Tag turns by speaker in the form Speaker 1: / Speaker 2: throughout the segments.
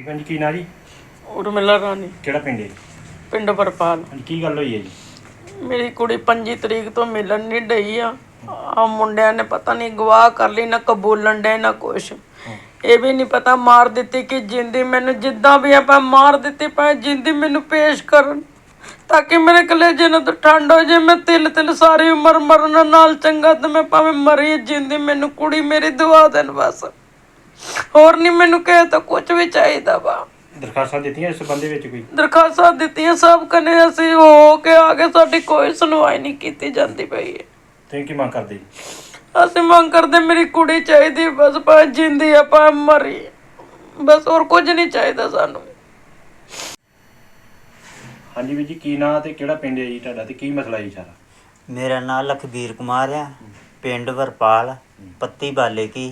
Speaker 1: ਭੈਣ ਜੀ ਕੀ ਨਾਂ ਜੀ?
Speaker 2: ਉਰਮਿਲਾ ਰਾਣੀ,
Speaker 1: ਕਿਹੜਾ ਪਿੰਡ ਹੈ?
Speaker 2: ਪਿੰਡ ਵਰਪਾਲ।
Speaker 1: ਹਾਂਜੀ ਕੀ ਗੱਲ ਹੋਈ ਹੈ ਜੀ?
Speaker 2: ਮੇਰੀ ਕੁੜੀ 25 ਤਰੀਕ ਤੋਂ ਮਿਲਣ ਨਹੀਂ ਡਈ ਆ ਮੁੰਡਿਆਂ ਨੇ ਪਤਾ ਨਹੀਂ ਗਵਾਹ ਕਰ ਲਈ, ਨਾ ਕਬੂਲਣ ਡੇ ਨਾ ਕੁਛ। ਇਹ ਵੀ ਨਹੀਂ ਪਤਾ ਮਾਰ ਦਿੱਤੀ ਕਿ ਜਿੰਦੀ। ਮੈਨੂੰ ਜਿੱਦਾਂ ਵੀ ਆਪਾਂ ਮਾਰ ਦਿੱਤੀ ਭਾਵੇਂ ਜਿੰਦੀ ਮੈਨੂੰ ਪੇਸ਼ ਕਰਨ, ਤਾਂ ਕਿ ਮੇਰੇ ਕਲੇਜੇ ਨੂੰ ਤਾਂ ਠੰਡ ਹੋ ਜੇ। ਮੈਂ ਤਿਲ ਸਾਰੀ ਉਮਰ ਮਰਨ ਨਾਲ ਚੰਗਾ ਤੇ ਮੈਂ ਭਾਵੇਂ ਮਰੀ ਜਿੰਦੀ, ਮੈਨੂੰ ਕੁੜੀ ਮੇਰੀ ਦਵਾ ਦੇਣ ਬਸ। ਹੋਰ ਨਹੀਂ ਮੈਨੂੰ ਕਿਸੇ ਤੋਂ ਕੁਝ ਵੀ ਚਾਹੀਦਾ ਵਾ।
Speaker 1: ਦਰਖਾਸਤਾਂ ਦਿੱਤੀਆਂ ਇਸ ਸੰਬੰਧ ਵਿੱਚ? ਕੋਈ
Speaker 2: ਦਰਖਾਸਤਾਂ ਦਿੱਤੀਆਂ ਸਭ ਕਨੇ, ਅਸੀਂ ਹੋ ਕੇ ਆ ਗਏ, ਸਾਡੀ ਕੋਈ ਸੁਣਵਾਈ ਨਹੀਂ ਕੀਤੀ ਜਾਂਦੀ ਪਈ ਹੈ।
Speaker 1: ਤੁਸੀਂ ਕੀ ਮੰਗ ਕਰਦੇ ਜੀ?
Speaker 2: ਅਸੀਂ ਮੰਗ ਕਰਦੇ ਮੇਰੀ ਕੁੜੀ ਚਾਹੀਦੀ ਬਸ, ਭਾਵੇਂ ਜਿੰਦੀ ਆ ਭਾਵੇਂ ਮਰੀ, ਬਸ ਹੋਰ ਕੁਝ ਨਹੀਂ ਚਾਹੀਦਾ ਸਾਨੂੰ।
Speaker 1: ਹਾਂਜੀ ਵੀਰ ਜੀ ਕੀ ਨਾਂ ਤੇ ਕਿਹੜਾ ਪਿੰਡ ਹੈ ਜੀ ਤੁਹਾਡਾ ਤੇ ਕੀ ਮਸਲਾ ਜੀ ਸਾਰਾ?
Speaker 3: ਮੇਰਾ ਨਾਮ ਲਖਬੀਰ ਕੁਮਾਰ ਆ, ਪਿੰਡ ਵਰਪਾਲ, ਪੱਤੀ ਬਾਲੇ ਕੀ।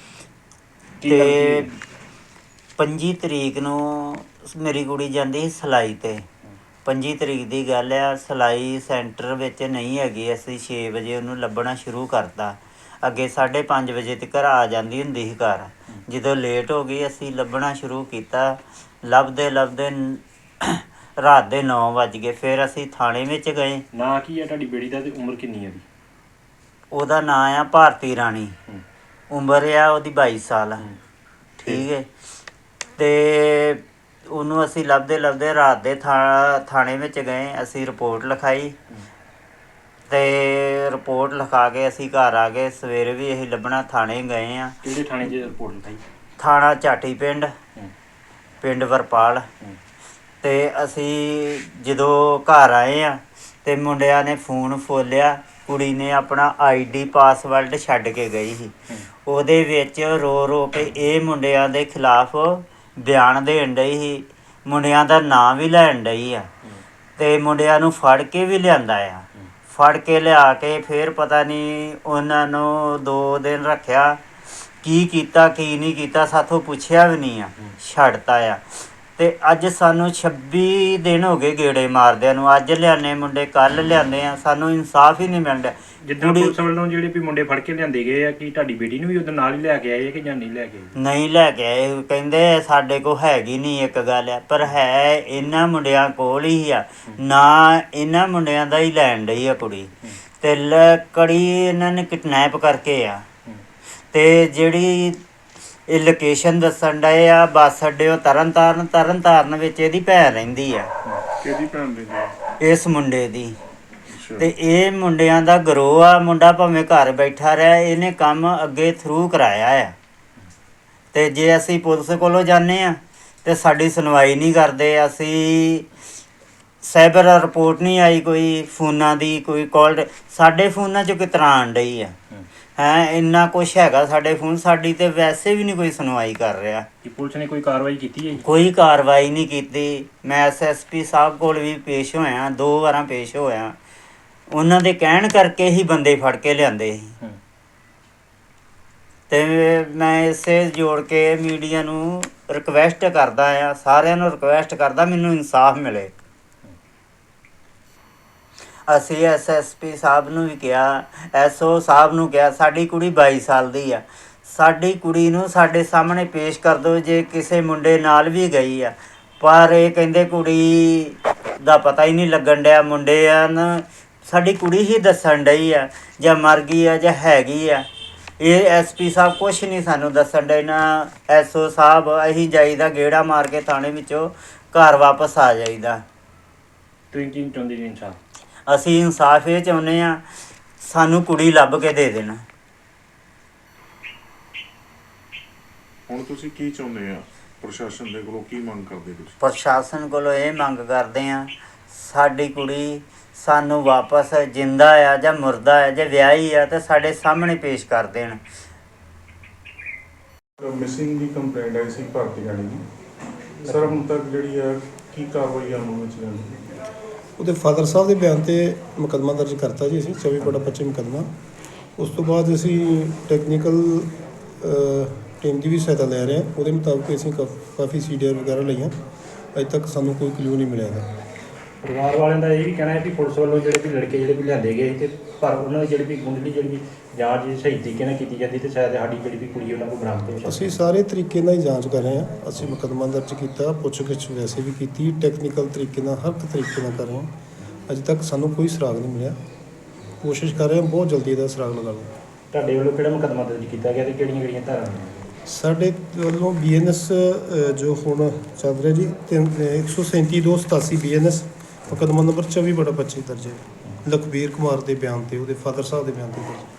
Speaker 3: ਤੇ 25 ਤਰੀਕ ਨੂੰ ਮੇਰੀ ਕੁੜੀ ਜਾਂਦੀ ਸੀ ਸਿਲਾਈ ਤੇ। 25 ਤਰੀਕ ਦੀ ਗੱਲ ਆ, ਸਿਲਾਈ ਸੈਂਟਰ ਵਿੱਚ ਨਹੀਂ ਹੈਗੀ। ਅਸੀਂ 6 ਵਜੇ ਉਹਨੂੰ ਲੱਭਣਾ ਸ਼ੁਰੂ ਕਰਤਾ। ਅੱਗੇ 5:30 ਵਜੇ ਤੱਕ ਆ ਜਾਂਦੀ ਹੁੰਦੀ ਸੀ ਘਰ। ਜਦੋਂ ਲੇਟ ਹੋ ਗਈ ਅਸੀਂ ਲੱਭਣਾ ਸ਼ੁਰੂ ਕੀਤਾ। ਲੱਭਦੇ ਰਾਤ ਦੇ 9 ਵੱਜ ਗਏ। ਫਿਰ ਅਸੀਂ ਥਾਣੇ ਵਿੱਚ ਗਏ।
Speaker 1: ਨਾਂ ਕੀ ਹੈ ਤੁਹਾਡੀ ਬੇੜੀ ਦਾ ਤੇ ਉਮਰ ਕਿੰਨੀ ਹੈ ਉਹਦੀ?
Speaker 3: ਉਹਦਾ ਨਾਂ ਆ ਭਾਰਤੀ ਰਾਣੀ, ਉਮਰ ਆ ਉਹਦੀ 22 ਸਾਲ। ਠੀਕ ਹੈ। ਅਤੇ ਉਹਨੂੰ ਅਸੀਂ ਲੱਭਦੇ ਰਾਤ ਦੇ ਥਾਣੇ ਵਿੱਚ ਗਏ। ਅਸੀਂ ਰਿਪੋਰਟ ਲਿਖਾਈ ਅਤੇ ਰਿਪੋਰਟ ਲਿਖਾ ਕੇ ਅਸੀਂ ਘਰ ਆ ਗਏ। ਸਵੇਰੇ ਵੀ ਅਸੀਂ ਲੱਭਣਾ ਥਾਣੇ ਗਏ ਹਾਂ।
Speaker 1: ਕਿਹੜੇ ਥਾਣੇ 'ਚ ਰਿਪੋਰਟ ਲਿਖਾਈ?
Speaker 3: ਥਾਣਾ ਚਾਟੀ ਪਿੰਡ ਵਰਪਾਲ। ਅਤੇ ਅਸੀਂ ਜਦੋਂ ਘਰ ਆਏ ਹਾਂ ਅਤੇ ਮੁੰਡਿਆਂ ਨੇ ਫੋਨ ਫੋਲਿਆ। ਕੁੜੀ ਨੇ ਆਪਣਾ ID ਪਾਸਵਰਡ ਛੱਡ ਕੇ ਗਈ ਸੀ। ਉਹਦੇ ਵਿੱਚ ਰੋ ਕੇ ਇਹ ਮੁੰਡਿਆਂ ਦੇ ਖਿਲਾਫ ਬਿਆਨ ਦੇਣ ਡਈ ਸੀ। ਮੁੰਡਿਆਂ ਦਾ ਨਾਂ ਵੀ ਲੈਣ ਡਈ ਆ ਅਤੇ ਮੁੰਡਿਆਂ ਨੂੰ ਫੜ ਕੇ ਵੀ ਲਿਆਂਦਾ ਆ। ਫੜ ਕੇ ਲਿਆ ਕੇ ਫਿਰ ਪਤਾ ਨਹੀਂ ਉਹਨਾਂ ਨੂੰ 2 ਦਿਨ ਰੱਖਿਆ। ਕੀ ਕੀਤਾ ਕੀ ਨਹੀਂ ਕੀਤਾ ਸਾਥੋਂ ਪੁੱਛਿਆ ਵੀ ਨਹੀਂ ਆ, ਛੱਡਤਾ ਆ। ਅਤੇ ਅੱਜ ਸਾਨੂੰ 26 ਦਿਨ ਹੋ ਗਏ ਗੇੜੇ ਮਾਰਦਿਆਂ ਨੂੰ। ਅੱਜ ਲਿਆਉਂਦੇ ਮੁੰਡੇ, ਕੱਲ੍ਹ ਲਿਆਉਂਦੇ ਆ, ਸਾਨੂੰ ਇਨਸਾਫ ਹੀ ਨਹੀਂ ਮਿਲ ਰਿਹਾ।
Speaker 1: ਜਿੱਦਾਂ ਪੁਲਿਸ ਵੱਲੋਂ ਜਿਹੜੇ ਵੀ ਮੁੰਡੇ ਫੜ ਕੇ ਲਿਆਂਦੇ ਗਏ ਆ, ਕੀ ਤੁਹਾਡੀ ਬੇਟੀ ਨੂੰ ਵੀ ਉਹਦੇ ਨਾਲ ਹੀ ਲੈ ਕੇ ਆਏ ਕਿ ਜਾਂ ਨਹੀਂ ਲੈ ਕੇ ਆਏ?
Speaker 3: ਨਹੀਂ ਲੈ ਕੇ ਆਏ। ਕਹਿੰਦੇ ਸਾਡੇ ਕੋਲ ਹੈਗੀ ਨਹੀਂ ਇੱਕ ਗੱਲ ਆ, ਪਰ ਹੈ ਇਹਨਾਂ ਮੁੰਡਿਆਂ ਕੋਲ ਹੀ ਆ। ਨਾ ਇਹਨਾਂ ਮੁੰਡਿਆਂ ਦਾ ਹੀ ਲੈਣ ਡਈ ਆ ਕੁੜੀ। ਅਤੇ ਕੜੀ ਇਹਨਾਂ ਨੇ ਕਿਡਨੈਪ ਕਰਕੇ ਆ। ਅਤੇ ਜਿਹੜੀ ਇਹ ਲੋਕੇਸ਼ਨ ਦੱਸਣ ਡਏ ਆ ਬੱਸ ਅੱਡੇ, ਉਹ ਤਰਨਤਾਰਨ ਵਿੱਚ ਇਹਦੀ ਭੈਣ ਰਹਿੰਦੀ ਆ।
Speaker 4: ਕਿਹਦੀ ਭੈਣ ਰਹਿੰਦੀ?
Speaker 3: ਇਸ ਮੁੰਡੇ ਦੀ। ਅਤੇ ਇਹ ਮੁੰਡਿਆਂ ਦਾ ਗਰੋਹ ਆ। ਮੁੰਡਾ ਭਾਵੇਂ ਘਰ ਬੈਠਾ ਰਿਹਾ, ਇਹਨੇ ਕੰਮ ਅੱਗੇ ਥਰੂ ਕਰਾਇਆ ਆ। ਅਤੇ ਜੇ ਅਸੀਂ ਪੁਲਿਸ ਕੋਲੋਂ ਜਾਂਦੇ ਹਾਂ ਅਤੇ ਸਾਡੀ ਸੁਣਵਾਈ ਨਹੀਂ ਕਰਦੇ। ਅਸੀਂ ਸਾਈਬਰ ਰਿਪੋਰਟ ਨਹੀਂ ਆਈ ਕੋਈ ਫੋਨਾਂ ਦੀ, ਕੋਈ ਕਾਲ ਸਾਡੇ ਫੋਨਾਂ 'ਚੋਂ ਕਿਸ ਤਰ੍ਹਾਂ ਆਉਣ ਡਈ ਆ। ਇੰਨਾ ਕੁਛ ਹੈਗਾ ਸਾਡੇ ਫੋਨ, ਸਾਡੀ ਤੇ ਵੈਸੇ ਵੀ ਨਹੀਂ ਕੋਈ ਸੁਣਵਾਈ ਕਰ ਰਿਹਾ।
Speaker 1: ਕੀ ਪੁਲਿਸ ਨੇ ਕੋਈ ਕਾਰਵਾਈ ਕੀਤੀ ਹੈ ਜੀ?
Speaker 3: ਕੋਈ ਕਾਰਵਾਈ ਨਹੀਂ ਕੀਤੀ। ਮੈਂ SSP ਸਾਹਿਬ ਕੋਲ ਵੀ ਪੇਸ਼ ਹੋਇਆ, 2 ਵਾਰਾਂ ਪੇਸ਼ ਹੋਇਆ। ਉਹਨਾਂ ਦੇ ਕਹਿਣ ਕਰਕੇ ਹੀ ਬੰਦੇ ਫੜ ਕੇ ਲਿਆਂਦੇ ਸੀ। ਅਤੇ ਮੈਂ ਇਸੇ ਜੋੜ ਕੇ ਮੀਡੀਆ ਨੂੰ ਰਿਕੁਐਸਟ ਕਰਦਾ ਆ, ਸਾਰਿਆਂ ਨੂੰ ਰਿਕੁਐਸਟ ਕਰਦਾ ਮੈਨੂੰ ਇਨਸਾਫ ਮਿਲੇ। ਅਸੀਂ SSP ਸਾਹਿਬ ਨੂੰ ਵੀ ਕਿਹਾ, SO ਸਾਹਿਬ ਨੂੰ ਕਿਹਾ, ਸਾਡੀ ਕੁੜੀ 22 ਸਾਲ ਦੀ ਆ। ਸਾਡੀ ਕੁੜੀ ਨੂੰ ਸਾਡੇ ਸਾਹਮਣੇ ਪੇਸ਼ ਕਰ ਦਿਓ ਜੇ ਕਿਸੇ ਮੁੰਡੇ ਨਾਲ ਵੀ ਗਈ ਆ। ਪਰ ਇਹ ਕਹਿੰਦੇ ਕੁੜੀ ਦਾ ਪਤਾ ਹੀ ਨਹੀਂ ਲੱਗਣ ਡਿਆ। ਮੁੰਡਿਆਂ ਨੂੰ ਸਾਡੀ ਕੁੜੀ ਹੀ ਦੱਸਣ ਡਈ ਆ, ਜਾਂ ਮਰ ਗਈ ਆ ਜਾਂ ਹੈਗੀ ਆ। ਇਹ SP ਸਾਹਿਬ ਕੁਛ ਨਹੀਂ ਸਾਨੂੰ ਦੱਸਣ ਡੇ, ਨਾ SO ਸਾਹਿਬ। ਅਸੀਂ ਜਾਈਦਾ ਗੇੜਾ ਮਾਰ ਕੇ ਥਾਣੇ ਵਿੱਚੋਂ ਘਰ ਵਾਪਸ ਆ ਜਾਈਦਾ।
Speaker 1: ਤੁਸੀਂ ਕੀ ਚਾਹੁੰਦੇ ਜੀ? ਇਨਸਾਫ?
Speaker 3: ਅਸੀਂ ਇਨਸਾਫ ਇਹ ਚਾਹੁੰਦੇ ਹਾਂ, ਸਾਨੂੰ ਕੁੜੀ ਲੱਭ ਕੇ ਦੇ ਦੇਣ।
Speaker 4: ਹੁਣ ਤੁਸੀਂ ਕੀ ਚਾਹੁੰਦੇ ਆ ਪ੍ਰਸ਼ਾਸਨ ਦੇ ਕੋਲੋਂ? ਕੀ ਮੰਗ ਕਰਦੇ ਤੁਸੀਂ?
Speaker 3: ਪ੍ਰਸ਼ਾਸਨ ਕੋਲੋਂ ਇਹ ਮੰਗ ਕਰਦੇ ਹਾਂ, ਸਾਡੀ ਕੁੜੀ ਸਾਨੂੰ ਵਾਪਸ ਜਿੰਦਾ ਆ ਜਾਂ ਮੁਰਦਾ ਆ ਜਾਂ ਵਿਆਹੀ ਆ ਤੇ ਸਾਡੇ ਸਾਹਮਣੇ ਪੇਸ਼ ਕਰ ਦੇਣ।
Speaker 4: ਮਿਸਿੰਗ ਦੀ ਕੰਪਲੇਂਟ ਆਈ ਸੀ ਭਾਰਤੀ ਰਾਣੀ ਦੀ। ਸਰ ਹੁਣ ਤੱਕ ਜਿਹੜੀ ਆ ਕੀ ਕਾਰਵਾਈ ਅਮਲ ਵਿੱਚ ਲਿਆਂਦੀ?
Speaker 5: ਉਹਦੇ ਫਾਦਰ ਸਾਹਿਬ ਦੇ ਬਿਆਨ 'ਤੇ ਮੁਕੱਦਮਾ ਦਰਜ ਕਰਤਾ ਜੀ ਅਸੀਂ 24/25 ਮੁਕੱਦਮਾ। ਉਸ ਤੋਂ ਬਾਅਦ ਅਸੀਂ ਟੈਕਨੀਕਲ ਟੀਮ ਦੀ ਵੀ ਸਹਾਇਤਾ ਲੈ ਰਹੇ ਹਾਂ। ਉਹਦੇ ਮੁਤਾਬਕ ਅਸੀਂ ਕਾਫੀ CDR ਵਗੈਰਾ ਲਈਆਂ। ਅਜੇ ਤੱਕ ਸਾਨੂੰ ਕੋਈ ਕਲੂ ਨਹੀਂ ਮਿਲਿਆ ਹੈ।
Speaker 1: ਪਰਿਵਾਰ ਵਾਲਿਆਂ ਦਾ ਇਹ ਵੀ ਕਹਿਣਾ ਹੈ ਕਿ ਪੁਲਿਸ ਵੱਲੋਂ ਜਿਹੜੇ ਵੀ ਲੜਕੇ ਜਿਹੜੇ ਵੀ ਲਿਆਂਦੇ ਗਏ ਤੇ ਪਰ ਉਹਨਾਂ ਦੀ ਜਿਹੜੀ ਵੀ ਮੁੰਡਲੀ ਜਿਹੜੀ ਵੀ ਜਾਂਚ ਜੇ ਸਹੀ ਤਰੀਕੇ ਨਾਲ ਕੀਤੀ ਜਾਂਦੀ ਤੇ ਸ਼ਾਇਦ ਸਾਡੀ ਜਿਹੜੀ ਵੀ ਕੁੜੀ ਉਹਨਾਂ ਕੋਲ ਬਰਾਮਦ ਹੋ ਸਕਦੀ।
Speaker 5: ਅਸੀਂ ਸਾਰੇ ਤਰੀਕੇ ਨਾਲ ਹੀ ਜਾਂਚ ਕਰ ਰਹੇ ਹਾਂ। ਅਸੀਂ ਮੁਕੱਦਮਾ ਦਰਜ ਕੀਤਾ, ਪੁੱਛਗਿੱਛ ਵੈਸੇ ਵੀ ਕੀਤੀ, ਟੈਕਨੀਕਲ ਤਰੀਕੇ ਨਾਲ, ਹਰ ਇੱਕ ਤਰੀਕੇ ਨਾਲ ਕਰ ਰਹੇ ਹਾਂ। ਅਜੇ ਤੱਕ ਸਾਨੂੰ ਕੋਈ ਸੁਰਾਗ ਨਹੀਂ ਮਿਲਿਆ। ਕੋਸ਼ਿਸ਼ ਕਰ ਰਹੇ ਹਾਂ ਬਹੁਤ ਜਲਦੀ ਇਹਦਾ ਸੁਰਾਗ ਲਗਾ ਲਓ।
Speaker 1: ਤੁਹਾਡੇ ਵੱਲੋਂ ਕਿਹੜਾ ਮੁਕੱਦਮਾ ਦਰਜ ਕੀਤਾ ਗਿਆ ਤੇ ਕਿਹੜੀਆਂ ਧਾਰਾਵਾਂ?
Speaker 5: ਸਾਡੇ ਵੱਲੋਂ BNS ਜੋ ਹੁਣ ਚੱਲ ਰਿਹਾ ਜੀ 137/287 BNS ਮੁਕੱਦਮਾ ਨੰਬਰ 24/25 ਦਰਜ ਹੈ। ਲਖਬੀਰ ਕੁਮਾਰ ਦੇ ਬਿਆਨ ਤੇ, ਉਹਦੇ ਫਾਦਰ ਸਾਹਿਬ ਦੇ ਬਿਆਨ ਤੇ ਦਰਜ।